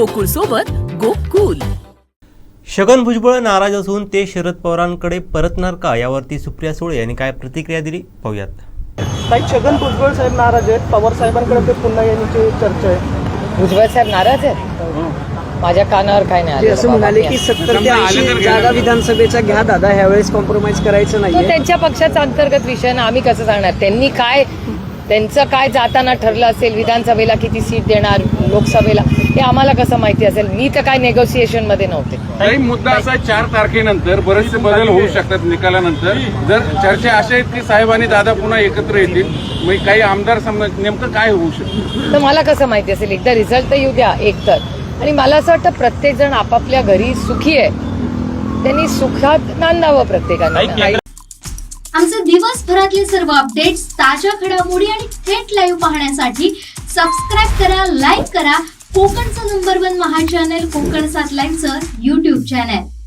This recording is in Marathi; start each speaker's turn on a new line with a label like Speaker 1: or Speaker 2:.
Speaker 1: गोकुळ सोबत गोकुल.
Speaker 2: छगन भुजबळ नाराज असून ते शरद पवारांकडे परतणार का, यावरती सुप्रिया सुळे यांनी काय प्रतिक्रिया दिली पाहूयात.
Speaker 3: काही छगन भुजबळ साहेब नाराज आहेत, पवार साहेबांकडे ते पुन्हा येण्याची चर्चा आहे.
Speaker 4: भुजबळ साहेब नाराज आहेत? माझ्या कानावर काय नाही
Speaker 3: ते असं म्हणाले की 70 ते 80 जागा विधानसभेच्या घ्या दादा, ह्यावेळेस कॉम्प्रोमाइज करायचं
Speaker 4: तो
Speaker 3: नाहीये.
Speaker 4: त्यांच्या पक्षाचा अंतर्गत विषय ना, आम्ही कसं सांगणार? त्यांचं काय जाताना ठरलं असेल, विधानसभेला किती सीट देणार, लोकसभेला, हे आम्हाला कसं माहिती असेल? मी तर काय नेगोसिएशन मध्ये नव्हते.
Speaker 5: काही मुद्दा असा 4 तारखेनंतर बरेचसे बदल होऊ शकतात निकालानंतर. जर चर्चा अशा आहेत की साहेब आणि दादा पुन्हा एकत्र येतील, मग काही आमदार नेमकं काय होऊ शकतं
Speaker 4: तर मला कसं माहिती असेल? एकदा रिझल्ट तर येऊ द्या एकतर. आणि मला असं वाटतं प्रत्येक जण आपापल्या घरी सुखी आहे, त्यांनी सुखात नांदावं प्रत्येकाने.
Speaker 6: आमचे दिवसभरातले सर्व अपडेट्स, ताज्या घडामोडी आणि थेट लाईव्ह पाहण्यासाठी सबस्क्राईब करा, लाईक करा कोकणचं नंबर 1 महा चॅनल कोकण 7 लाईव्हचं YouTube चॅनल.